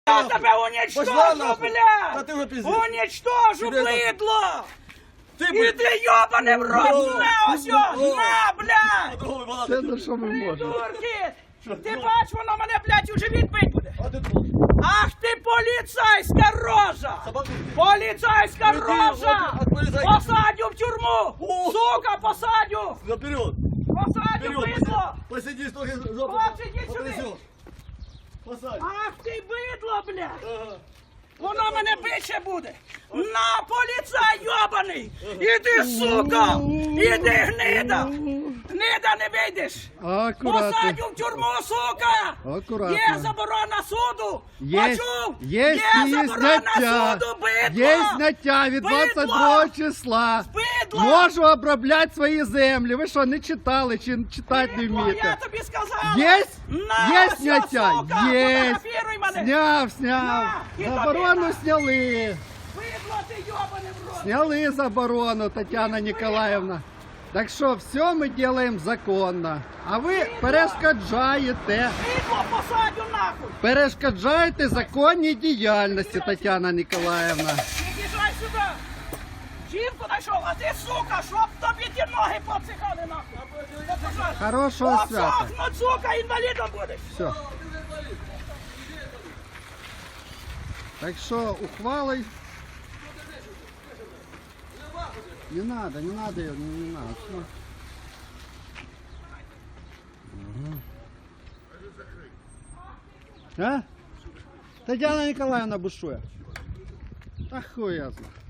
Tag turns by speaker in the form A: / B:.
A: Я тебе уничтожу, блядь!
B: Да ты уже пиздец.
A: Уничтожу,
B: Тебе это-
A: быдло!
B: Ты,
A: Іди йобаний в рот, на ось, на, блядь!
C: Це за що ми можемо?
A: Придурки! Ти бач, воно мене, блядь, у живіт бить буде!
B: А ты тут.
A: Ах ти поліцейська рожа!
B: Собаку.
A: Поліцейська
B: Іди,
A: рожа!
B: от поліцейська.
A: Посадю в тюрму!
B: О!
A: Сука, посадю!
B: Наперед.
A: Посадю,
B: Вперед.
A: бидло!
B: Посиди, что жопу
A: Хлопці, йдіть сюди.
B: потрясешь. Посадь.
A: Ах ти бидло, блядь!
B: Ага.
A: Воно мене більше буде! На, поліцай йобаний! Іди, сука! Іди, гнида! Гнида, не вийдеш!
C: Акуратно.
A: Посадю в тюрму, сука!
C: Акуратно.
A: Є заборона суду!
C: Є,
A: Почув?
C: є
A: заборона
C: зняття.
A: суду, бидло!
C: Є зняття від
A: Бидло!
C: 22 числа.
A: Бидло!
C: Можу обробляти свої землі. Ви що, не читали чи читати не
A: Бидло, я
C: вмієте?
A: тобі сказала!
C: Є?
A: На,
C: Є
A: ось,
C: зняття?
A: сука,
C: Є.
A: фотографіруй мене!
C: Зняв.
A: На, і
C: Заборону
A: тобі на.
C: зняли.
A: Бидло, ти йобане в рот!
C: Сняли заборону, Тетяна Ніколаївна. Так що все ми робимо законно. А ви перешкоджаєте.
A: Бидло, посадю нахуй!
C: Перешкоджаєте законній діяльності, Тетяна Ніколаївна.
A: Під'їжджай сюди! Жінку знайшов, а ти, сука, щоб тобі ті ноги поцихали нахуй!
C: Хорошого свята.
A: Обсохнуть, сука, інвалідом будеш!
C: Все. Так що ухвалой. Не надо ее, не надо. Всё. А? Тетяна Николаевна бушує. Та хуй я знаю.